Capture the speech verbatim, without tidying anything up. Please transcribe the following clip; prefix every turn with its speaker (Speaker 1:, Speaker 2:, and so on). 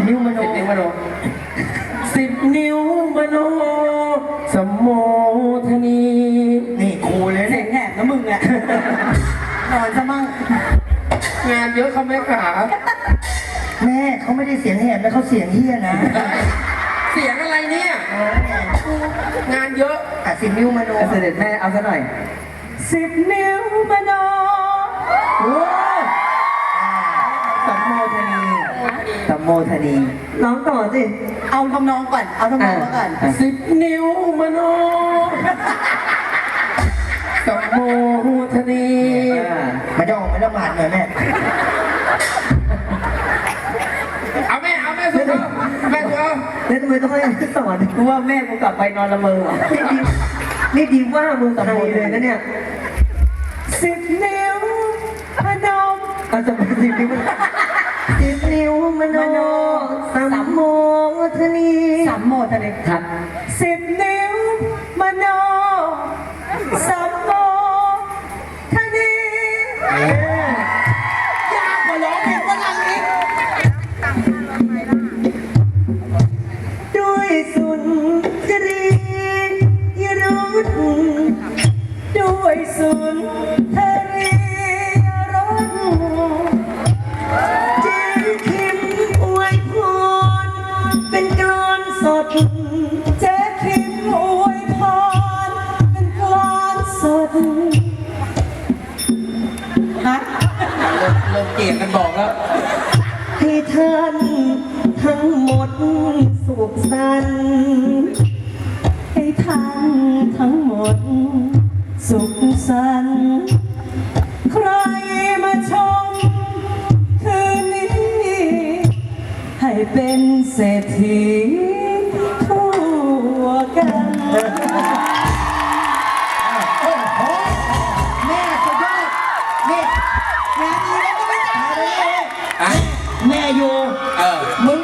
Speaker 1: นิ้วมโน
Speaker 2: สิบนิ้วมโนสิบนิ้วมโนสมโมทนี
Speaker 1: นี่ครูเลย
Speaker 3: เสี
Speaker 1: เนี่ย ย
Speaker 3: งแหบนะมึงเนี่ยนอนซะมั่ง
Speaker 2: งานเยอะเขาไม่ขา
Speaker 1: แม่เขาไม่ได้เสียงแหบแล้วเขาเสียงเฮี้ยนะ
Speaker 2: เสียงอะไรเนี่ยงานเยอะ
Speaker 1: อ่ะสิบนิ้วมโน
Speaker 3: เสด็จแม่เอาซะหน่อยสิบนิ้วมโน
Speaker 1: โอ้
Speaker 3: สัมโมทนีสัมโมทนีร้องต่อสิเอาทำนองก่อนเอาทำนองก่อน
Speaker 2: สิบนิ้วมโนสมโมทนี
Speaker 1: มันจะออกไปละหมาดหน่อยแม่
Speaker 2: เอาแม่เอาแม่สุดเอาแม่สุดเอา
Speaker 3: แล้วทำไมต้องให้สอนกูว่าแม่กูกลับไปนอนละเมอนี่ดีว่ามึงกับใครเลยนะเนี่ยสิบนิ้วพนมเอาจะเป็นสิบนิ้วสิบนิ้วมโนสัมโมทนีสัมโมทนีครับสิบนิ้วมโนสัมโมทนียากกว่าร้องเพลงฝรั่งอีก ด้วยสุนทรียรุธด้วยสุนทรียรุธเจนคิมอวยพรเป็นกลอนสดเจคิมอวยพรเป็นกลอนสดฮะ
Speaker 2: เริ่มเริ่มเกลียดกันบอกแล้ว
Speaker 3: ให้ท่านทั้งหมดสุขสันต์ให้ท่านทั้งหมดสุขสันต์ใครมาชมคืนนี้ ให้เป็นเศรษฐีทั่วกัน
Speaker 1: โอ้โหแม่สุดยอดนี่งานนี้แล้วก็ไม่จ่ายเลย
Speaker 2: อ่ะ
Speaker 1: แม่อยู่
Speaker 2: เออ
Speaker 1: มึง